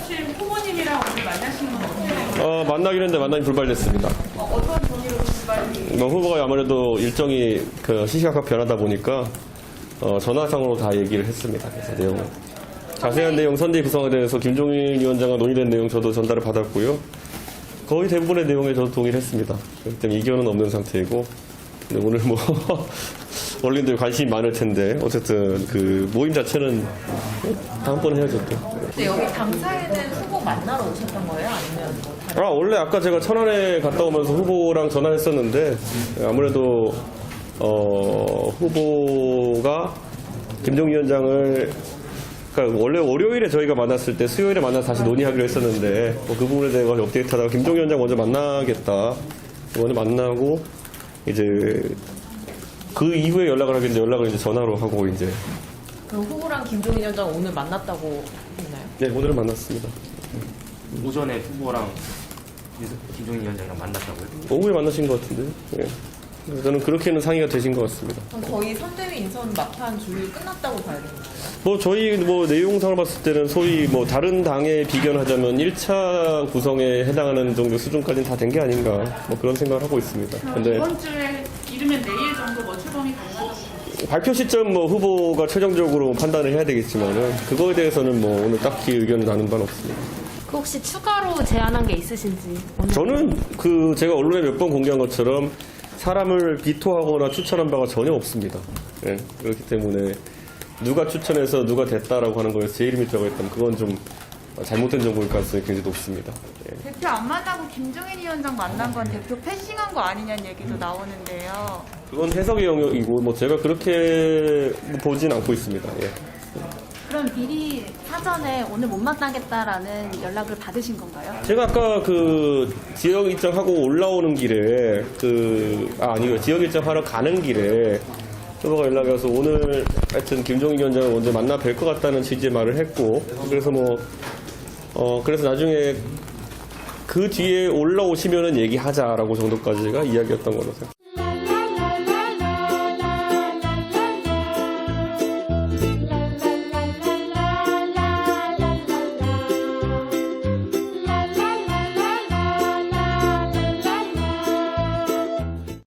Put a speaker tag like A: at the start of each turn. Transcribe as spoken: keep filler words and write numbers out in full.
A: 혹시 후보님이랑 오늘 만나시는 건 어떻게 돼요?
B: 어, 만나기로 했는데 만남이 불발됐습니다.
A: 어, 어떤 동의로 불발이?
B: 뭐 후보가 아무래도 일정이 그 시시각각 변하다 보니까 어, 전화상으로 다 얘기를 했습니다. 그래서 내용을. 자세한 내용 선대위 구성에 대해서 김종인 위원장과 논의된 내용 저도 전달을 받았고요. 거의 대부분의 내용에 저도 동의를 했습니다. 그렇기 때문에 이견은 없는 상태이고, 근데 오늘 뭐 언론들 관심이 많을 텐데 어쨌든 그 모임 자체는 다음번에 해야죠 또.
C: 근데 여기 당사에는 후보 만나러 오셨던 거예요? 아니면 뭐 다른?
B: 아 원래 아까 제가 천안에 갔다 오면서 후보랑 전화했었는데 아무래도 어, 후보가 김종인 위원장을 그러니까 원래 월요일에 저희가 만났을 때 수요일에 만나서 다시 논의하기로 했었는데 뭐 그 부분에 대해서 업데이트하다가 김종인 위원장 먼저 만나겠다. 먼저 만나고 이제 그 이후에 연락을 하겠는데 연락을 이제 전화로 하고 이제.
C: 그럼 후보랑 김종인 위원장 오늘 만났다고 했나요?
B: 네, 오늘은 만났습니다.
D: 오전에 후보랑 김종인 위원장이랑 만났다고요?
B: 오후에 만나신 것 같은데. 예. 그래서 저는 그렇게는 상의가 되신 것 같습니다.
C: 그럼 거의 선대위 인선 막판 준비 끝났다고 봐야 되는 거예요?
B: 뭐 저희 뭐 내용상을 봤을 때는 소위 뭐 다른 당에 비견하자면 일 차 구성에 해당하는 정도 수준까지는 다 된 게 아닌가 뭐 그런 생각을 하고 있습니다.
A: 그럼
B: 근데
A: 이번 주에 이르면 내일 정도 뭐 출범이 가능하다고?
B: 발표 시점 뭐 후보가 최종적으로 판단을 해야 되겠지만은 그거에 대해서는 뭐 오늘 딱히 의견을 나눈 바는 없습니다.
E: 그 혹시 추가로 제안한 게 있으신지? 오늘.
B: 저는 그 제가 언론에 몇 번 공개한 것처럼 사람을 비토하거나 추천한 바가 전혀 없습니다. 예, 그렇기 때문에 누가 추천해서 누가 됐다라고 하는 거에서 제 이름이 들어가 있다면 그건 좀 잘못된 정보일 가능성이 굉장히 높습니다. 예.
F: 대표 안 만나고 김종인 위원장 만난 건 대표 패싱한 거 아니냐는 얘기도 나오는데요.
B: 그건 해석의 영역이고 뭐 제가 그렇게 보진 않고 있습니다. 예.
E: 그럼 미리 사전에 오늘 못 만나겠다라는 연락을 받으신 건가요?
B: 제가 아까 그 지역 일정하고 올라오는 길에 그 아, 아니요 지역 일정하러 가는 길에 후보가 연락이 와서 오늘 하여튼 김종인 위원장을 먼저 만나 뵐 것 같다는 취지의 말을 했고 그래서 뭐 어 그래서 나중에 그 뒤에 올라오시면은 얘기하자라고 정도까지가 이야기였던 거로 생각합니다.